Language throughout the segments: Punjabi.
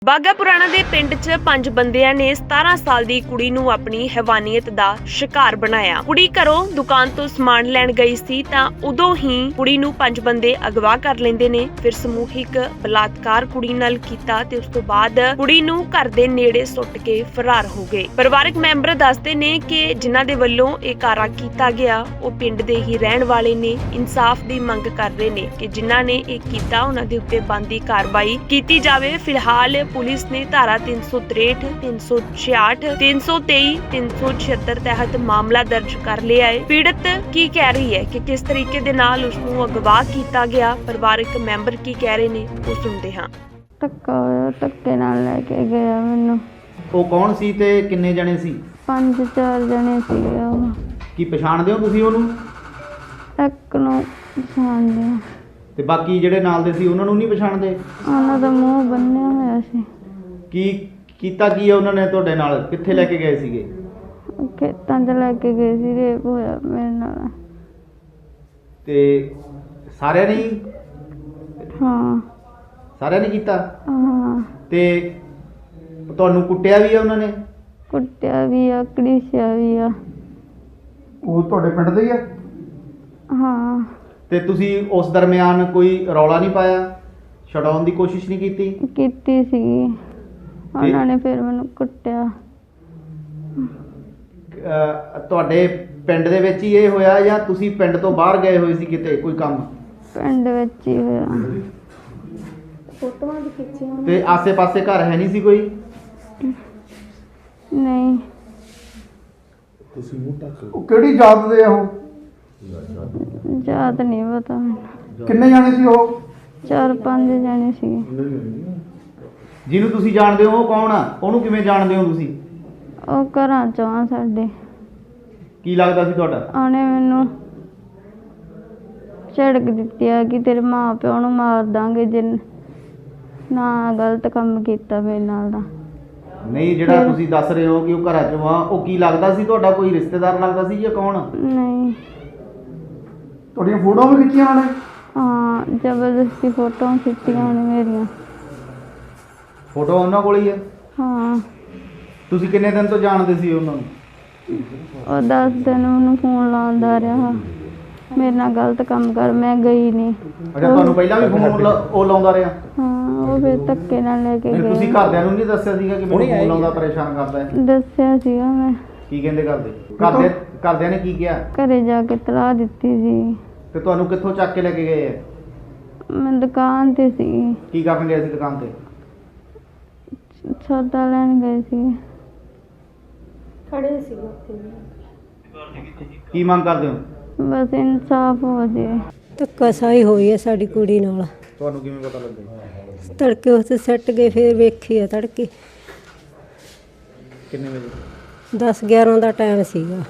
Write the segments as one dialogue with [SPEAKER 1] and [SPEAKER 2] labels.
[SPEAKER 1] ਬਾਘਾ ਪੁਰਾਣਾ ਦੇ ਪਿੰਡ 'ਚ 5 ਬੰਦਿਆਂ ਨੇ 17 ਸਾਲ ਦੀ ਕੁੜੀ ਨੂੰ ਆਪਣੀ ਹੈਵਾਨੀਅਤ ਦਾ ਸ਼ਿਕਾਰ ਬਣਾਇਆ। ਕੁੜੀ ਘਰੋਂ ਦੁਕਾਨ ਤੋਂ ਸਮਾਨ ਲੈਣ ਗਈ ਸੀ ਤਾਂ ਉਦੋਂ ਹੀ ਕੁੜੀ ਨੂੰ 5 ਬੰਦੇ ਅਗਵਾ ਕਰ ਲੈਂਦੇ ਨੇ। ਫਿਰ ਸਮੂਹਿਕ ਬਲਾਤਕਾਰ ਕੁੜੀ ਨਾਲ ਕੀਤਾ ਤੇ ਉਸ ਤੋਂ ਬਾਅਦ ਕੁੜੀ ਨੂੰ ਘਰ ਦੇ ਨੇੜੇ ਸੁੱਟ ਕੇ ਫਰਾਰ ਹੋ ਗਏ। ਪਰਿਵਾਰਕ ਮੈਂਬਰ ਦੱਸਦੇ ਨੇ ਕਿ ਜਿਨ੍ਹਾਂ ਦੇ ਵੱਲੋਂ ਇਹ ਕਾਰਾ ਕੀਤਾ ਗਿਆ ਉਹ ਪਿੰਡ ਦੇ ਹੀ ਰਹਿਣ ਵਾਲੇ ਨੇ। ਇਨਸਾਫ ਦੀ ਮੰਗ ਕਰ ਰਹੇ ਨੇ ਕਿ ਜਿਨ੍ਹਾਂ ਨੇ ਇਹ ਕੀਤਾ ਉਹਨਾਂ ਦੇ ਉੱਤੇ ਬਣਦੀ ਕਾਰਵਾਈ ਕੀਤੀ ਜਾਵੇ। ਫਿਲਹਾਲ ਪੁਲਿਸ ਨੇ ਧਾਰਾ 363, 366, 323, 376 ਤਹਿਤ ਮਾਮਲਾ ਦਰਜ ਕਰ ਲਿਆ ਹੈ। ਪੀੜਤ ਕੀ ਕਹਿ ਰਹੀ ਹੈ ਕਿ ਕਿਸ ਤਰੀਕੇ ਦੇ ਨਾਲ ਉਸ ਨੂੰ ਅਗਵਾ ਕੀਤਾ ਗਿਆ, ਪਰਿਵਾਰਕ ਮੈਂਬਰ ਕੀ ਕਹਿ ਰਹੇ ਨੇ ਉਹ ਸੁਣਦੇ ਹਾਂ।
[SPEAKER 2] ਧੱਕੇ ਨਾਲ ਲੈ ਕੇ ਗਿਆ ਮੈਨੂੰ।
[SPEAKER 3] ਉਹ ਕੌਣ ਸੀ ਤੇ ਕਿੰਨੇ ਜਣੇ ਸੀ?
[SPEAKER 2] 5-4 ਜਣੇ ਸੀਗੇ ਉਹ।
[SPEAKER 3] ਕੀ ਪਛਾਣਦੇ ਹੋ ਤੁਸੀਂ ਉਹਨੂੰ?
[SPEAKER 2] ਇੱਕ ਨੂੰ ਪਛਾਣਦੇ ਆ
[SPEAKER 3] ਤੇ ਬਾਕੀ ਜਿਹੜੇ ਨਾਲ ਦੇ ਸੀ ਉਹਨਾਂ ਨੂੰ ਨਹੀਂ ਪਛਾਣਦੇ?
[SPEAKER 2] ਉਹਨਾਂ ਦਾ ਮੂੰਹ ਬੰਨਿਆ ਹੋਇਆ ਸੀ।
[SPEAKER 3] ਕੀ ਕੀਤਾ ਕੀ ਹੈ ਉਹਨਾਂ ਨੇ ਤੁਹਾਡੇ ਨਾਲ? ਕਿੱਥੇ ਲੈ ਕੇ ਗਏ ਸੀਗੇ?
[SPEAKER 2] ਖੇਤਾਂ 'ਚ ਲੈ ਕੇ ਗਏ ਸੀ। ਰੇਪ ਹੋਇਆ ਮੇਰੇ ਨਾਲ।
[SPEAKER 3] ਤੇ ਸਾਰਿਆਂ ਨੇ ਹੀ?
[SPEAKER 2] ਹਾਂ
[SPEAKER 3] ਸਾਰਿਆਂ ਨੇ ਕੀਤਾ?
[SPEAKER 2] ਹਾਂ।
[SPEAKER 3] ਤੇ ਤੁਹਾਨੂੰ ਕੁੱਟਿਆ ਵੀ ਆ ਉਹਨਾਂ ਨੇ?
[SPEAKER 2] ਕੁੱਟਿਆ ਵੀ ਆ, ਘੜੀਸਿਆ ਵੀ ਆ।
[SPEAKER 3] ਉਹ ਤੁਹਾਡੇ ਪਿੰਡ ਦੇ ਹੀ ਆ?
[SPEAKER 2] ਹਾਂ।
[SPEAKER 3] ਤੇ ਤੁਸੀਂ ਉਸ ਦਰਮਿਆਨ ਕੋਈ ਰੌਲਾ ਨਹੀਂ ਪਾਇਆ? ਛਡਾਉਣ ਦੀ ਕੋਸ਼ਿਸ਼ ਨਹੀਂ ਕੀਤੀ?
[SPEAKER 2] ਕੀਤੀ ਸੀਗੀ। ਉਹਨਾਂ ਨੇ ਫਿਰ ਮੈਨੂੰ ਕੁੱਟਿਆ।
[SPEAKER 3] ਤੁਹਾਡੇ ਪਿੰਡ ਦੇ ਵਿੱਚ ਹੀ ਇਹ ਹੋਇਆ ਜਾਂ ਤੁਸੀਂ ਪਿੰਡ ਤੋਂ ਬਾਹਰ ਗਏ ਹੋਏ ਸੀ ਕਿਤੇ ਕੋਈ ਕੰਮ?
[SPEAKER 2] ਪਿੰਡ ਵਿੱਚ ਹੀ ਹੋਇਆ।
[SPEAKER 1] ਫੋਟੋਆਂ ਵੀ ਖਿੱਚੀਆਂ।
[SPEAKER 3] ਤੇ ਆਸੇ-ਪਾਸੇ ਘਰ ਹੈ ਨਹੀਂ ਸੀ ਕੋਈ?
[SPEAKER 2] ਨਹੀਂ।
[SPEAKER 4] ਤੁਸੀਂ ਮੂੰਹ ਢੱਕ ਲਓ। ਉਹ ਕਿਹੜੀ ਜਾਤ ਦੇ ਆ ਉਹ?
[SPEAKER 2] ਯਾਦ ਨਹੀਂ ਪਤਾ ਮੈਨੂੰ।
[SPEAKER 4] ਕਿੰਨੇ ਜਾਣੇ ਸੀ ਉਹ?
[SPEAKER 2] 4-5 ਜਣੇ ਸੀਗੇ।
[SPEAKER 3] ਜਿਹਨੂੰ ਤੁਸੀਂ ਜਾਣਦੇ ਹੋ ਉਹ ਕੌਣ ਆ? ਉਹਨੂੰ ਕਿਵੇਂ ਜਾਣਦੇ ਹੋ ਤੁਸੀਂ?
[SPEAKER 2] ਉਹ ਘਰਾਂ 'ਚੋਂ ਆ ਸਾਡੇ।
[SPEAKER 3] ਕੀ ਲੱਗਦਾ ਸੀ ਤੁਹਾਡਾ?
[SPEAKER 2] ਉਹਨੇ ਮੈਨੂੰ ਝੜਕ ਦਿੱਤੀ ਆ ਕਿ ਤੇਰੇ ਮਾਂ ਪਿਓ ਨੂੰ ਮਾਰ ਦਾਂਗੇ ਜੇ ਨਾ ਗਲਤ ਕੰਮ ਕੀਤਾ ਮੇਰੇ ਨਾਲ ਦਾ।
[SPEAKER 3] ਨਹੀਂ, ਜਿਹੜਾ ਤੁਸੀਂ ਦੱਸ ਰਹੇ ਹੋ ਕਿ ਉਹ ਘਰਾਂ ਚੋਂ ਆ, ਉਹ ਕੀ ਲੱਗਦਾ ਸੀ ਤੁਹਾਡਾ? ਕੋਈ ਰਿਸ਼ਤੇਦਾਰ ਲੱਗਦਾ ਸੀ ਜਾਂ ਕੌਣ?
[SPEAKER 2] ਨਹੀਂ।
[SPEAKER 4] ਤੁਹਾਡੀਆਂ ਫੋਟੋਆਂ ਵੀ ਖਿੱਚੀਆਂ ਉਹਨੇ?
[SPEAKER 2] ਹਾਂ, ਜ਼ਬਰਦਸਤੀ ਫੋਟੋਆਂ ਖਿੱਚੀਆਂ ਉਹਨੇ ਮੇਰੀਆਂ।
[SPEAKER 3] ਫੋਟੋ ਉਹਨਾਂ ਕੋਲ ਹੀ ਹੈ?
[SPEAKER 2] ਹਾਂ।
[SPEAKER 3] ਤੁਸੀਂ ਕਿੰਨੇ ਦਿਨ ਤੋਂ ਜਾਣਦੇ ਸੀ ਉਹਨਾਂ ਨੂੰ?
[SPEAKER 2] ਉਹ 10 ਦਿਨ ਉਹਨੂੰ ਫੋਨ ਲਾਉਂਦਾ ਰਿਹਾ ਮੇਰੇ ਨਾਲ ਗਲਤ ਕੰਮ ਕਰ। ਮੈਂ ਗਈ ਨਹੀਂ।
[SPEAKER 3] ਅੱਛਾ, ਤੁਹਾਨੂੰ ਪਹਿਲਾਂ ਵੀ ਫੋਨ ਉਹ ਲਾਉਂਦਾ ਰਿਹਾ?
[SPEAKER 2] ਹਾਂ। ਉਹ ਫਿਰ ਧੱਕੇ ਨਾਲ ਲੈ ਕੇ
[SPEAKER 3] ਨਹੀਂ,
[SPEAKER 2] ਗਏ।
[SPEAKER 3] ਤੁਸੀਂ ਘਰਦਿਆਂ ਨੂੰ ਨਹੀਂ ਦੱਸਿਆ ਸੀਗਾ ਕਿ ਮੈਨੂੰ ਫੋਨ ਲਾਉਂਦਾ, ਪਰੇਸ਼ਾਨ ਕਰਦਾ ਹੈ?
[SPEAKER 2] ਦੱਸਿਆ ਸੀਗਾ ਮੈਂ।
[SPEAKER 3] ਕੀ ਕਹਿੰਦੇ ਘਰਦਿਆਂ ਨੇ ਕੀ ਕਿਹਾ?
[SPEAKER 2] ਘਰੇ ਜਾ ਕੇ ਤਲਾਹ ਦਿੱਤੀ ਸੀ।
[SPEAKER 3] ਤੇ ਤੁਹਾਨੂੰ ਕਿੱਥੋਂ ਚੱਕ ਕੇ ਲੈ ਕੇ ਗਏ ਆ?
[SPEAKER 2] ਮੈਂ ਦੁਕਾਨ ਤੇ ਸੀ।
[SPEAKER 3] ਕੀ ਕਰਨ ਗਏ ਸੀ ਦੁਕਾਨ ਤੇ?
[SPEAKER 2] ਸੌਦਾ ਲੈਣ ਗਏ ਸੀ।
[SPEAKER 1] ਖੜੇ ਸੀ ਉੱਥੇ।
[SPEAKER 3] ਕੀ ਮੰਗ ਕਰਦੇ ਹੋ?
[SPEAKER 2] ਬਸ ਇਨਸਾਫ ਹੋ ਜੇ।
[SPEAKER 5] ਧੱਕਾਸ਼ਾਹੀ ਹੋਈ ਹੈ ਸਾਡੀ ਕੁੜੀ ਨਾਲ।
[SPEAKER 3] ਤੁਹਾਨੂੰ ਕਿਵੇਂ ਪਤਾ ਲੱਗਿਆ?
[SPEAKER 5] ਤੜਕੇ ਉੱਥੇ ਸੱਟ ਗਏ, ਫਿਰ ਵੇਖੀ ਆ ਤੜਕੇ
[SPEAKER 3] ਕਿੰਨੇ ਵਜੇ?
[SPEAKER 5] 10-11 ਦਾ ਟਾਈਮ ਸੀਗਾ।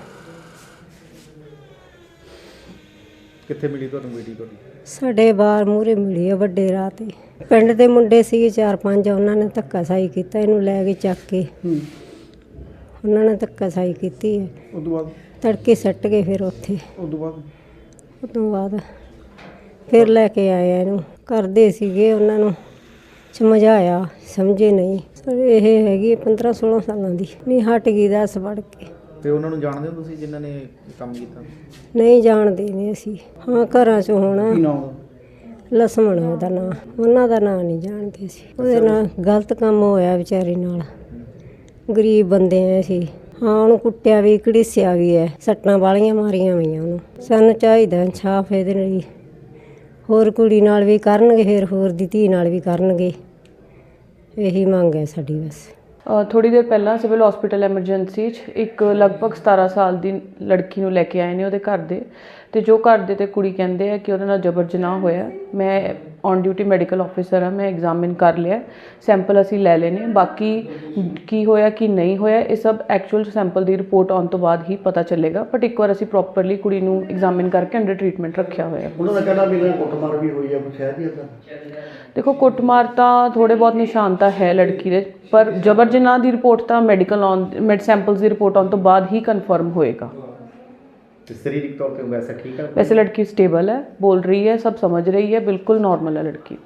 [SPEAKER 3] ਕਿੱਥੇ ਮਿਲੀ ਤੁਹਾਨੂੰ ਬੇਟੀ ਤੁਹਾਡੀ?
[SPEAKER 5] ਸਾਡੇ ਬਾਹਰ ਮੂਹਰੇ ਮਿਲੀ ਆ ਵੱਡੇ ਰਾਹ ਤੇ। ਪਿੰਡ ਦੇ ਮੁੰਡੇ ਸੀਗੇ 4-5, ਉਹਨਾਂ ਨੇ ਧੱਕਾਸ਼ਾਹੀ ਕੀਤਾ। ਇਹਨੂੰ ਲੈ ਕੇ ਚੱਕ ਕੇ ਉਹਨਾਂ ਨੇ ਧੱਕਾਸ਼ਾਹੀ ਕੀਤੀ ਹੈ।
[SPEAKER 4] ਉਸ ਤੋਂ ਬਾਅਦ?
[SPEAKER 5] ਤੜਕੇ ਸੱਟ ਗਏ ਫਿਰ ਉੱਥੇ।
[SPEAKER 4] ਉਸ ਤੋਂ ਬਾਅਦ
[SPEAKER 5] ਫਿਰ ਲੈ ਕੇ ਆਏ ਆ ਇਹਨੂੰ। ਕਰਦੇ ਸੀਗੇ, ਉਹਨਾਂ ਨੂੰ ਸਮਝਾਇਆ, ਸਮਝੇ ਨਹੀਂ। ਇਹ ਹੈਗੀ 15-16 ਸਾਲਾਂ ਦੀ। ਨਹੀਂ ਹਟ ਗਈ 10 ਪੜ ਕੇ।
[SPEAKER 3] ਤੇ ਉਹਨਾਂ ਨੂੰ ਜਾਣਦੇ ਹੋ ਤੁਸੀਂ ਜਿਨ੍ਹਾਂ ਨੇ ਕੰਮ ਕੀਤਾ?
[SPEAKER 5] ਨਹੀਂ ਜਾਣਦੇ ਨਹੀਂ ਅਸੀਂ। ਹਾਂ, ਘਰਾਂ 'ਚ ਹੋਣਾ।
[SPEAKER 4] ਕੀ ਨਾਮ?
[SPEAKER 5] ਲਸਮਣ ਉਹਦਾ ਨਾਂ। ਉਹਨਾਂ ਦਾ ਨਾਂ ਨਹੀਂ ਜਾਣਦੇ ਸੀ। ਉਹਦੇ ਨਾਲ ਗਲਤ ਕੰਮ ਹੋਇਆ ਵਿਚਾਰੀ ਨਾਲ। ਗਰੀਬ ਬੰਦੇ ਆ ਅਸੀਂ। ਹਾਂ, ਉਹਨੂੰ ਕੁੱਟਿਆ ਵੀ, ਘੜੀਸਿਆ ਵੀ ਹੈ। ਸੱਟਾਂ ਵਾਲੀਆਂ ਮਾਰੀਆਂ ਹੋਈਆਂ ਉਹਨੂੰ। ਸਾਨੂੰ ਚਾਹੀਦਾ ਇਨਸਾਫ ਇਹਦੇ ਲਈ। ਹੋਰ ਕੁੜੀ ਨਾਲ ਵੀ ਕਰਨਗੇ, ਫਿਰ ਹੋਰ ਦੀ ਧੀ ਨਾਲ ਵੀ ਕਰਨਗੇ। ਇਹੀ ਮੰਗ ਹੈ ਸਾਡੀ ਬਸ।
[SPEAKER 6] ਥੋੜ੍ਹੀ ਦੇਰ ਪਹਿਲਾਂ ਸਿਵਲ ਹਸਪੀਟਲ ਐਮਰਜੈਂਸੀ 'ਚ ਇੱਕ ਲਗਭਗ 17 ਸਾਲ ਦੀ ਲੜਕੀ ਨੂੰ ਲੈ ਕੇ ਆਏ ਨੇ ਉਹਦੇ ਘਰ ਦੇ। ਅਤੇ ਜੋ ਘਰ ਦੇ ਅਤੇ ਕੁੜੀ ਕਹਿੰਦੇ ਆ ਕਿ ਉਹਦੇ ਨਾਲ ਜਬਰ ਜਨਾਹ ਹੋਇਆ। ਮੈਂ ਔਨ ਡਿਊਟੀ ਮੈਡੀਕਲ ਆਫਿਸਰ ਹਾਂ। ਮੈਂ ਐਗਜ਼ਾਮਿਨ ਕਰ ਲਿਆ, ਸੈਂਪਲ ਅਸੀਂ ਲੈ ਲਏ ਨੇ। ਬਾਕੀ ਕੀ ਹੋਇਆ ਕੀ ਨਹੀਂ ਹੋਇਆ ਇਹ ਸਭ ਐਕਚੁਅਲ ਸੈਂਪਲ ਦੀ ਰਿਪੋਰਟ ਆਉਣ ਤੋਂ ਬਾਅਦ ਹੀ ਪਤਾ ਚੱਲੇਗਾ। ਬਟ ਇੱਕ ਵਾਰ ਅਸੀਂ ਪ੍ਰੋਪਰਲੀ ਕੁੜੀ ਨੂੰ ਐਗਜ਼ਾਮਿਨ ਕਰਕੇ ਅੰਡਰ ਟਰੀਟਮੈਂਟ ਰੱਖਿਆ ਹੋਇਆ।
[SPEAKER 4] ਉਹਨਾਂ ਦਾ ਕਹਿਣਾ ਵੀ ਕੁੱਟਮਾਰ ਵੀ ਹੋਈ ਆ ਕੁਛ ਹੈ ਜੀ ਇੱਦਾਂ?
[SPEAKER 6] ਦੇਖੋ, ਕੁੱਟਮਾਰ ਤਾਂ ਥੋੜ੍ਹੇ ਬਹੁਤ ਨਿਸ਼ਾਨ ਤਾਂ ਹੈ ਲੜਕੀ ਦੇ, ਪਰ ਜਬਰ ਜਨਾਹ ਦੀ ਰਿਪੋਰਟ ਤਾਂ ਮੈਡੀਕਲ ਸੈਂਪਲਸ ਦੀ ਰਿਪੋਰਟ ਆਉਣ ਤੋਂ ਬਾਅਦ ਹੀ ਕਨਫਰਮ ਹੋਏਗਾ।
[SPEAKER 3] ਸਰੀਰਕ ਤੌਰ ਤੇ ਵੈਸੇ ਠੀਕ ਹੈ?
[SPEAKER 6] वैसे लड़की स्टेबल है, बोल रही है, सब समझ रही है, बिल्कुल नॉर्मल है लड़की।